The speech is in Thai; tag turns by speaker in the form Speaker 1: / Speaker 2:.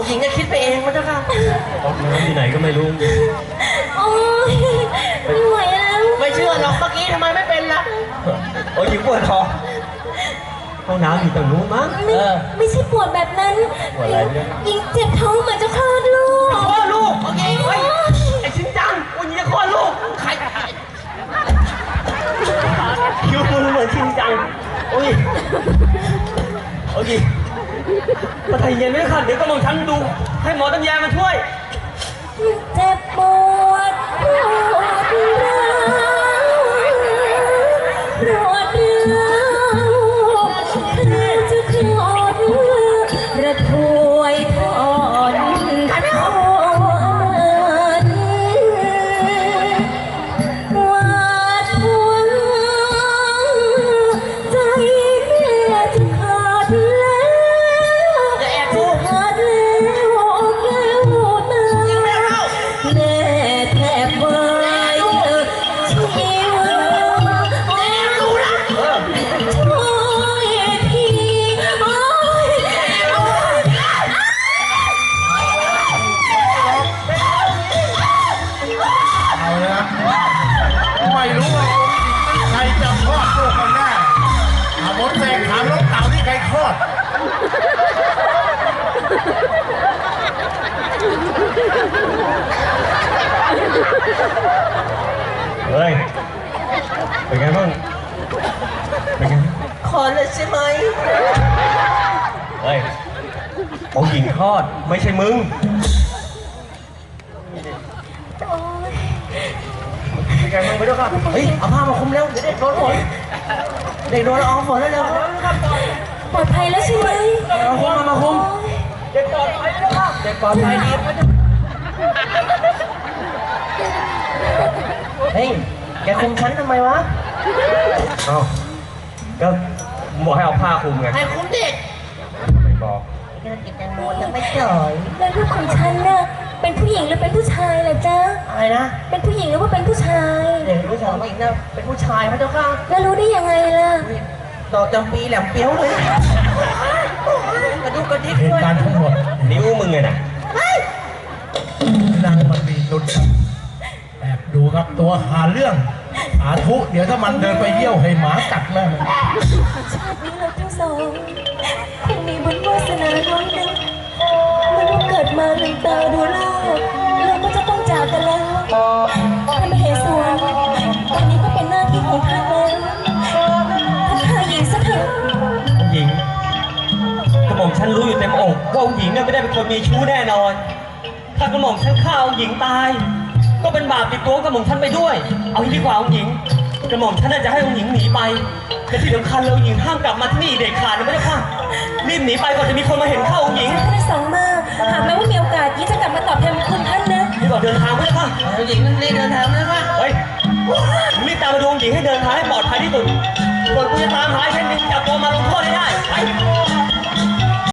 Speaker 1: หญิงจะคิดไปเองมั้งเจ้าค่ะเอาน้ำที่ไหนก็ไม่รู้
Speaker 2: โอ้ยไม่ไหวแล้ว
Speaker 1: ไม่เชื่อหรอกเมื่อกี้ทำไมไม่เป็นล่ะโอ้ยหญิงปวดท้องห้องน้ำอยู่ตรงนู้นมั้ง
Speaker 2: ไม่ใช่ปวดแบบนั้นยิงเจ็บท้องเหมือนจะคลอดลูก
Speaker 1: คลอดลูกโอเคเฮ้ยไอ้ชิ้นจังวันนี้จะคลอดลูกใครคิวมึงเหมือนชิ้นจังโอ้ยโอเคมาไทยเย็นไม่ขัดเดี๋ยวก็มองฉันดูให้หมอตำแยมาช่วย
Speaker 2: เจ็บปวดปวดร้าวปวดร้าวจะคลอดระถวยทอนทอนวาดหวังใจแม่จะขาดแล้วจะขาดแล้วแก้วตาแม่แทบวายชีวาช่วยทีโอ้ย
Speaker 3: เอาละไม่รู้ว่าใครจะคลอดลูกกันแน่หมดเสกถามน้องเต่าที่ใครคลอด
Speaker 1: เฮ้ยเป็นไงบ้างเป็นไงคลอดเลยใช่ไหมเฮ้ยของหญิงคลอดไม่ใช่มึงเป็นไงบ้างไปด้วยครับเฮ้ยเอาผ้ามาคุมเร็วเดี๋ยวเด็กโดนฝนเด็กโดนละอองฝนแล้วเร็ว
Speaker 2: ปลอดภัยแล้วใช่ไหม
Speaker 1: มาคุมเด็กปลอดภัยแล้วครับเด็กปลอดภัยดีเฮ้ยแกคุมฉันทำไมวะเอ้าก็บอกให้เอาผ้าคุมไงให้คุมเด็กไม่บอกแกกินแตงโมยังไม่จ่อย
Speaker 2: แล้วลูกของฉันน่ะเป็นผู้หญิงหรือเป็นผู้ชายล่ะจ๊ะ
Speaker 1: อะไรนะ
Speaker 2: เป็นผู้หญิงหรือว่าเป็นผู้ชาย
Speaker 1: เด็กผู้ชายผู้หญิงนะเป็นผู้ชายพระเจ้าค่ะ
Speaker 2: แล้วรู้ได้ยังไงล่ะ
Speaker 1: ดอกจำปีแหลมเปี้ยวเลยกระดุกกระดิก
Speaker 3: เหตุการณ์ทั้งหมด
Speaker 1: นิ้วมึงไงน่ะ
Speaker 3: นางมันมีนุชแอบดูครับตัวหาเรื่องอาทุเดี๋ยวถ้ามันเดินไปเยี่ยวให้หมากัดแม่มัน
Speaker 2: ชาตินี้เราทั้งสองคงมีบุญวาสนาน้อยนึงมันเกิดมาลืมตาดูโลกเราก็จะต้องจากกันแล้วท่านมเหสวนตอนนี้ก็เป็นหน้าที่ของท่านแล้วท่านฆ่าหญิงซะเถอะ
Speaker 1: หญิงกระหม่อมฉันรู้อยู่เต็มอกว่าหญิงเนี่ยไม่ได้เป็นคนมีชู้แน่นอนถ้ากระหม่อมฉันฆ่าหญิงตายก็เป็นบาปติดตัวกระหม่อมฉันไปด้วยเอาที่ดีกว่าหญิงกระหม่อมฉันน่าจะให้หญิงหนีไปและที่สำคัญเราหญิงห้ามกลับมาที่นี่เด็กขาดนะไม่ได้ค่ะรีบหนีไปก่อนจะมีคนมาเห็นเข้าหญิง
Speaker 2: ท่านได้สั่งมาหากแม้ว่ามีโอกาสยิ่งจะกลับมาตอบแทนคุณท่านนะ
Speaker 1: รีบเดินทางไปเลยค่ะหญิงรีบเดินทางนะค่ะเฮ้ยรีบตามมาดูหญิงให้เดินทางให้ปลอดภัยที่สุดก่อนกูจะตามหาแค่นี้จับตัวมาลงโทษได้ไป